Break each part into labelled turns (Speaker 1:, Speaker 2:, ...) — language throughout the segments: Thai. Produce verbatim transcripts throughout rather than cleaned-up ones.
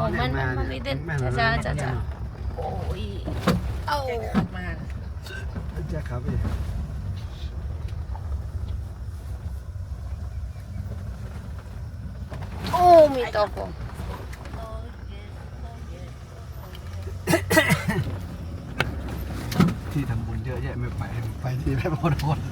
Speaker 1: มันมันมันไม่เด็ดจ้าจ้าจ้าโอ้ยเอามา
Speaker 2: จะขับไป
Speaker 1: โอ้มีตก
Speaker 2: ที่ทำบุญเยอะแยะไม่ไปไปที่แม่พอทน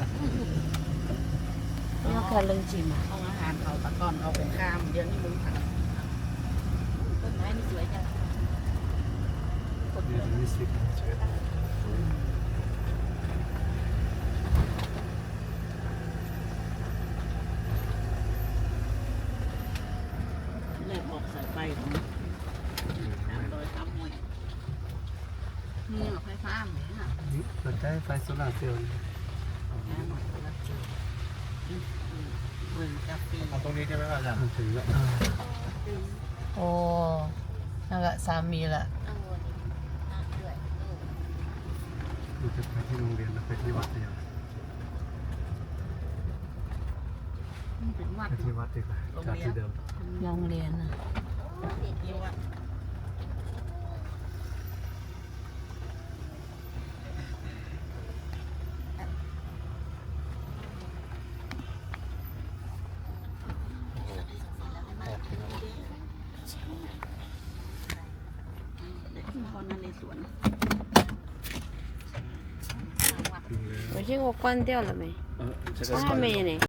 Speaker 1: นี่แค่เรื่องจริงอ่ะ
Speaker 3: เอาอาหารเขาตะก้อนเขาเป็นข้ามเดี๋ยวนี้มึงทำต้นไม้นี่สวยจัง
Speaker 2: เดือนยี่สิบ
Speaker 3: แรกบอกสายไฟของสามร้อยสามหน่วยนี่หรอไฟฟ้าไหมฮะ
Speaker 2: สนใจไฟโซลาร์เซลล์
Speaker 3: เมืองกาแฟ
Speaker 2: เอาตรงนี้ใช่ไหมครับอาจารย์ถึงแล้ว
Speaker 1: โอ้นั่นแหละสามีละ
Speaker 2: ดูจะไปที่โรงเรียนแล้วไปที่วัดเดียว
Speaker 3: เป็นวัด
Speaker 2: ไปที่วัดดีกว่าจากที่เดิม
Speaker 1: โรงเรียนนะ
Speaker 3: ที่วัดพอนั่นในสวน
Speaker 1: 我这个关掉了没？
Speaker 2: 呃，这个
Speaker 1: 还没呢。